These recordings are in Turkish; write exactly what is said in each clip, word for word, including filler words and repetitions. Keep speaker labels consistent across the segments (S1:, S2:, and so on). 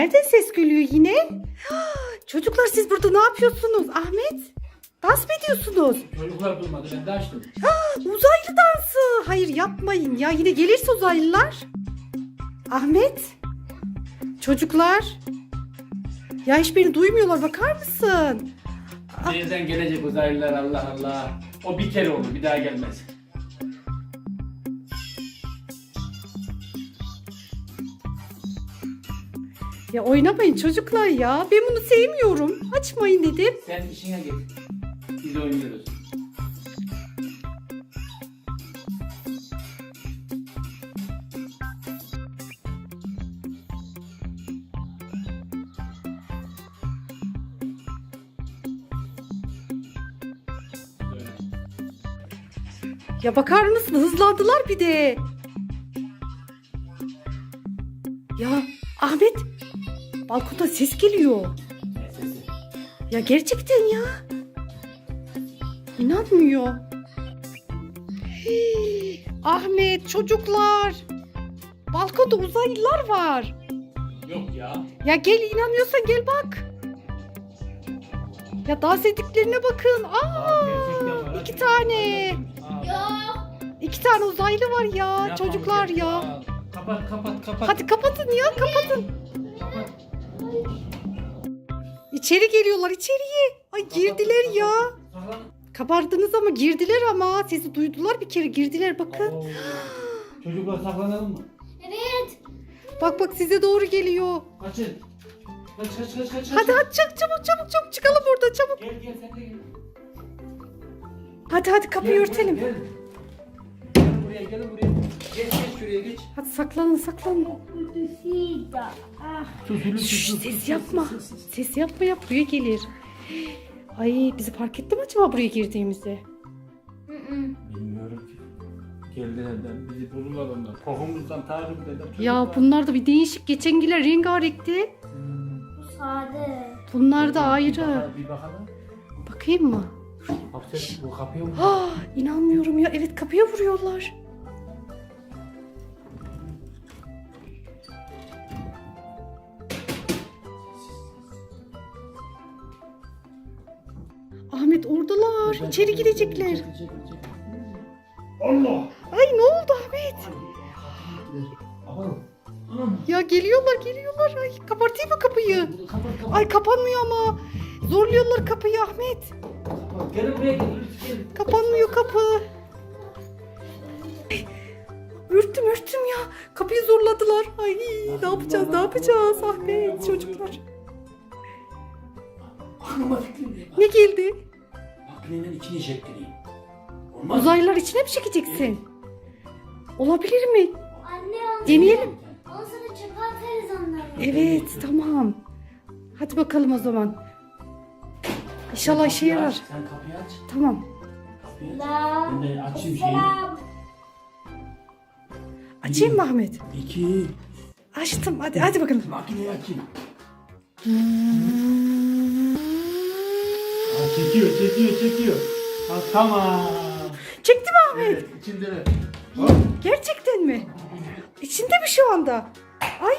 S1: Nereden ses geliyor yine? Çocuklar siz burada ne yapıyorsunuz? Ahmet, dans mı ediyorsunuz?
S2: Çocuklar durmadı, ben de açtım.
S1: Uzaylı dansı. Hayır yapmayın ya, yine gelirse uzaylılar. Ahmet, çocuklar. Ya hiç beni duymuyorlar, bakar mısın?
S2: Nereden gelecek uzaylılar, Allah Allah. O bir kere olur, bir daha gelmez.
S1: Ya oynamayın çocuklar ya. Ben bunu sevmiyorum. Açmayın dedim.
S2: Sen işine git. Biz oynuyoruz.
S1: Ya bakar mısın? Hızlandılar bir de. Ya Ahmet, balkonda ses geliyor.
S2: Ne sesi?
S1: Ya gerçekten ya. İnanmıyor. Hii, Ahmet, çocuklar. Balkonda uzaylılar var.
S2: Yok ya.
S1: Ya gel, inanmıyorsan gel bak. Ya dans ettiklerine bakın. Aa, iki tane. İki tane uzaylı var ya, çocuklar ya.
S2: Kapat kapat kapat.
S1: Hadi kapatın ya, kapatın.
S2: Kapat.
S1: İçeri geliyorlar, içeriye. Ay girdiler ya.
S2: Saklan.
S1: Kabardınız ama girdiler ama. Sesi duydular bir kere, girdiler bakın.
S2: Oo. Çocuklar saklanalım mı?
S3: Evet.
S1: Bak bak size doğru geliyor.
S2: Kaçın. Kaç kaç kaç kaç.
S1: Hadi hadi çabuk çabuk çabuk çabuk çıkalım buradan çabuk.
S2: Gel gel sen de gel.
S1: Hadi hadi kapıyı
S2: Gel,
S1: örtelim.
S2: Gel. Gelin buraya gelin buraya. Geç geç şuraya geç.
S1: Hadi saklanın saklanın.
S2: Sus sus
S1: Şşş,
S2: sus.
S1: ses yapma. Ses yapma ya, buraya gelir. Ay bizi fark etti mi acaba buraya girdiğimizi?
S2: Bilmiyorum ki. Geldilerden bizi bulurlar onlar. Kokumuzdan taarruz eder.
S1: Ya bunlar da bir değişik. Geçengiler rengarenkti.
S3: Bu sade.
S1: Bunlar da
S2: Bir
S1: ayrı.
S2: bakalım, Bir bakalım.
S1: Bakayım mı?
S2: Bak sen bu kapıya mı?
S1: Ah, inanmıyorum ya. Evet, kapıya vuruyorlar. Ahmet oradalar. İçeri girecekler.
S2: Allah!
S1: Ay ne oldu Ahmet?
S2: Aman. Anam.
S1: Ya geliyorlar geliyorlar. Ay kapatayım mı kapıyı?
S2: Kapat kapat.
S1: Ay kapanmıyor ama. Zorluyorlar kapıyı Ahmet.
S2: Kapat. Gelin buraya gelin. Gelin.
S1: Kapanmıyor kapı. Ay, ürktüm ürktüm ya. Kapıyı zorladılar. Ay ne yapacağız ne yapacağız Ahmet çocuklar.
S2: Aklıma fikrim geldi.
S1: Ne geldi?
S2: Makinenin içine çektireyim. Olmaz mı?
S1: Uzaylılar içine mi çekeceksin? Olabilir mi?
S3: Anne onu,
S1: Deneyelim.
S3: onu sana çöpe atarız onları.
S1: Evet tamam. Hadi bakalım o zaman. İnşallah işe
S2: Kapıyı
S1: yarar.
S2: aç, Sen kapıyı aç.
S1: Tamam.
S2: Kapıyı aç.
S3: La.
S2: Ben de açayım şeyi.
S3: Selam.
S1: Açayım mı Ahmet?
S2: İki.
S1: Açtım. Hadi hadi bakalım.
S2: Makineyi açayım. Ha, çekiyor, çekiyor, çekiyor. Ha, tamam.
S1: Çekti mi Ahmet?
S2: Evet, içinde de. Hop.
S1: Gerçekten mi? İçinde mi şu anda? Ay.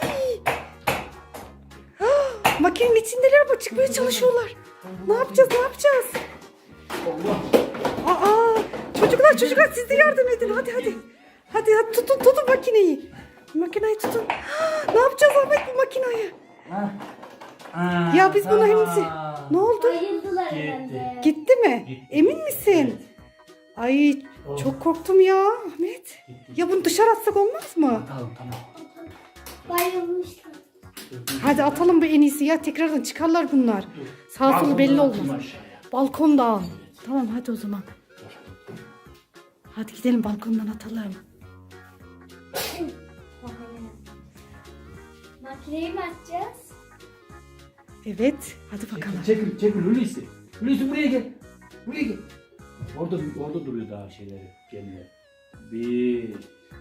S1: Ah, makinenin içindeler ama çıkmaya çalışıyorlar. Ne yapacağız? Ne yapacağız?
S2: Allah.
S1: Aa, çocuklar çocuklar siz de yardım edin. Hadi hadi. Hadi hadi tutun tutun makineyi. Makineyi tutun. Ah, ne yapacağız Ahmet bu makineyi?
S2: Ha. Ha,
S1: Ya biz buna
S2: tamam.
S1: hepsi... Ne oldu?
S3: Bayıldılar
S2: Gitti.
S3: herhalde.
S1: Gitti mi?
S2: Gitti.
S1: Emin misin? Ay
S2: Oh.
S1: çok korktum ya Ahmet. Ya bunu dışarı atsak olmaz mı?
S2: Tamam, tamam.
S3: Bayılmışlar.
S1: Hadi atalım bu en iyisi ya, tekrardan çıkarlar bunlar. Sağ solu belli
S2: Balkondan
S1: olmaz.
S2: atayım aşağıya.
S1: Balkonda al. Tamam hadi o zaman. Hadi gidelim balkondan atalım.
S3: Makineyi mi açacağız?
S1: Evet hadi bakalım.
S2: Çekil, çekil Hulusi. Hulusi buraya gel. Buraya gel. Orada, orada duruyor daha şeyleri, gemiler. Bir,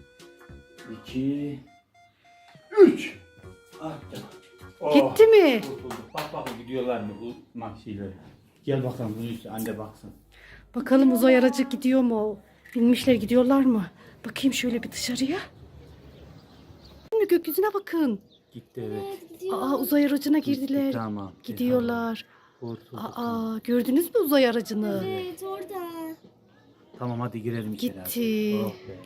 S2: iki, üç. Ah canım. Oh,
S1: Gitti mi?
S2: kurtulduk. Bak bak gidiyorlar mı bu mahşileri. Gel bakalım Hulusi, anne baksın.
S1: Bakalım uzay aracı gidiyor mu? Binmişler, gidiyorlar mı? Bakayım şöyle bir dışarıya. Gökyüzüne bakın.
S2: Gitti evet.
S3: Evet gidiyor.
S1: Aa uzay aracına girdiler.
S2: Tamam.
S1: Gidiyorlar.
S2: Kurtulduk.
S1: Aa gördünüz mü uzay aracını?
S3: Evet orada.
S2: Tamam hadi girelim içeri.
S1: Gitti.
S2: Oh be.